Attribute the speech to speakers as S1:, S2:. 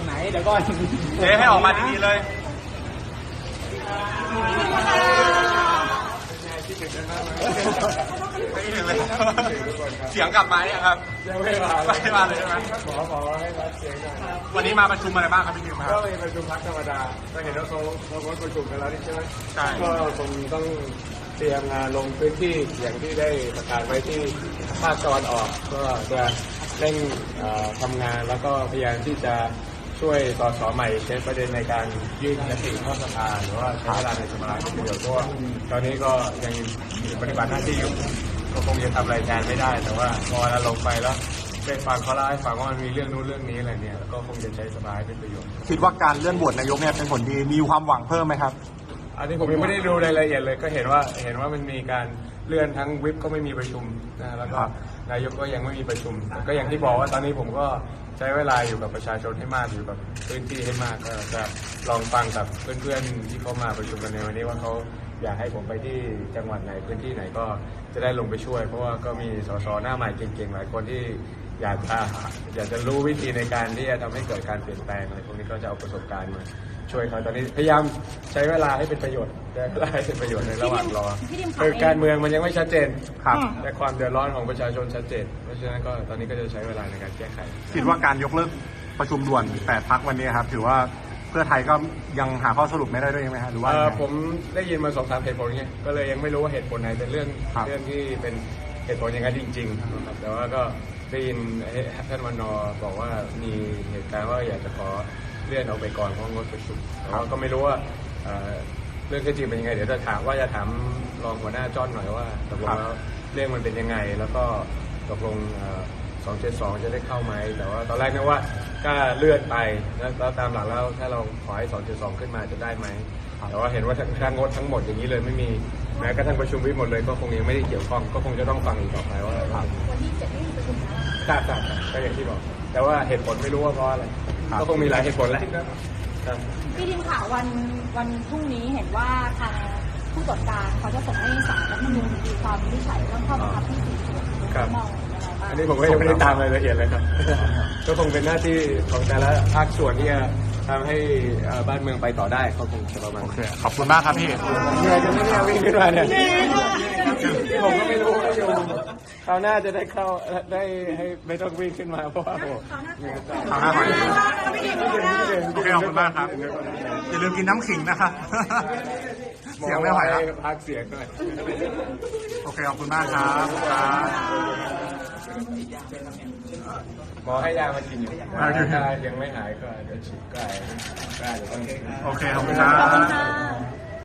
S1: ไหนเดี๋ยวก่อน
S2: เจ๊ให้ออกมาดีๆเลยไม่ถึงเลยเสียงกลับมาเนี่ยครับ
S1: ยังไม่มา
S2: เลยใช่ไหม
S1: ขอให้รับเสียงหน่อย
S2: วันนี้มาประชุมอะไรบ้างครับพี่นิวครับ
S1: ก็มีประชุมพักธรรมดาก็เห็นว่าเขาประชุมกันแล้วนี่ใช่ไหม
S2: ใช่
S1: ก็คงต้องเตรียมงานลงพื้นที่อย่างที่ได้ประกาศไว้ที่ภาคตะวันออกก็จะเร่งทำงานแล้วก็พยายามที่จะช่วยสสใหม่ใช้ประเด็นในการยื่นยติเข้าสภาหรือว่าใช้เวลาในสภาเป็นประโยชน์เพราะว่าตอนนี้ก็ยังปฏิบัติหน้าที่อยู่ก็คงจะทำรายงานไม่ได้แต่ว่าพอเราลงไปแล้วได้ฟังเขาเล่าให้ฟังว่ามันมีเรื่องนู้นเรื่องนี้อะไรเนี่ยก็คงจะใช้สภาให้เป็นประโยชน์
S2: คิดว่าการเลื่อนโหวตนายกเนี่ยเป็นผลดีมีความหวังเพิ่มไหมครับ
S1: อันนี้ผมยังไม่ได้ดูรายละเอียดเลยก็เห็นว่ามันมีการเลื่อนทั้งวิปก็ไม่มีประชุมนะแล้วก็นายกก็ยังไม่มีประชุมก็อย่างที่บอกว่าตอนนี้ผมก็ใช้เวลาอยู่กับประชาชนให้มากอยู่กับพื้นที่ให้มากก็จะลองฟังกับเพื่อนๆที่เขามาประชุมกันในวันนี้ว่าเขาอยากให้ผมไปที่จังหวัดไหนพื้นที่ไหนก็จะได้ลงไปช่วยเพราะว่าก็มีสสหน้าใหม่เก่งๆหลายคนที่อยากจะรู้วิธีในการที่จะทำให้เกิดการเปลี่ยนแปลงอะไรพวกนี้ก็จะเอาประสบการณ์มาช่วยเขาตอนนี้พยายามใช้เวลาให้เป็นประโยชน์แต่เวลาให้เป็นประโยชน์ในระหว่างรอคือการเมืองมันยังไม่ชัดเจน
S2: ครับ
S1: แต่ความเดือดร้อนของประชาชนชัดเจนเพราะฉะนั้นก็ตอนนี้ก็จะใช้เวลาในการแก้ไข
S2: คิดว่าการยกเลิกประชุมด่วน8 พรรควันนี้ครับถือว่าเพื่อไทยก็ยังหาข้อสรุปไม่ได้ด้วยไหมครับหรือว่า
S1: ผมได้ยินมา2-3เหตุผลเงี้ยก็เลยยังไม่รู้ว่าเหตุผลไหนเป็นเรื่องที่เป็นเหตุผลอย่างนั้นจริงๆแต่ว่าก็ได้ยินท่านวนบอกว่ามีเหตุการณ์ว่าอยากจะขอเลื่อนออกไปก่อนเพราะงดประชุมแต่ว่าก็ไม่รู้ว่าเรื่องที่จริงเป็นยังไงเดี๋ยวจะถามรองหัวหน้าจ้อนหน่อยว่าตกลงแล้วเรื่องมันเป็นยังไงแล้วก็ตกลง272จะได้เข้าไหมแต่ว่าตอนแรกนึกว่าก็เลื่อนไปแล้วตามหลักแล้วถ้าเราขอให้272ขึ้นมาจะได้ไหมแต่ว่าเห็นว่าทางงดทั้งหมดอย่างนี้เลยไม่มีแม้กระทั่งประชุมวิปหมดเลยก็คงยังไม่ได้เกี่ยวข้องก็คงจะต้องฟังอีกต่อไปว่า
S3: วันที่7ไม่มีประชุมแล้ว
S1: ครับก็อย่างที่บอกแต่ว่าเหตุผลไม่รู้ว่าเพราะอะไรก็คงมีหลายเหตุผลแหละ
S3: พี่ทีมข่าววันพรุ่งนี้เห็นว่าทางผู้ตรวจการเขาจะส่งให้ศาลรัฐธรรมนูญมีความวินิจฉัยเรื่องข้อบังคับที่4ส่วนมอง
S1: อันนี้ผมก็ยังไม่ได้ตามรายละเอียดเลยครับก็คงเป็นหน้าที่ของแต่ละภาคส่วนที่จะทำให้บ้านเมืองไปต่อได้เขาคงจะประมาณ
S2: ขอบคุณมากครับพี่
S1: เหนื่อยจนไม่ได้วิ่งขึ้นมาเนี่ยผมก็ไม่รู้ว่าอยู่คราวหน้าจะได้เข้าได้ให้ไม่ต้องวิ่งขึ้นมาเพราะว่าโอ้
S2: คราวหน้าโอเคขอบคุณมากครับอย่าลืมกินน้ำขิงนะครับเสียงไม่ไหวแล้ว
S1: พักเสียงหน่อย
S2: โอเคขอบคุณมากครับ
S1: หมอให้ยามากินอยู่ถ้ายังไม่หายก็จะฉีดก็อาจจะต้อง
S2: โอเคขอบคุณครับ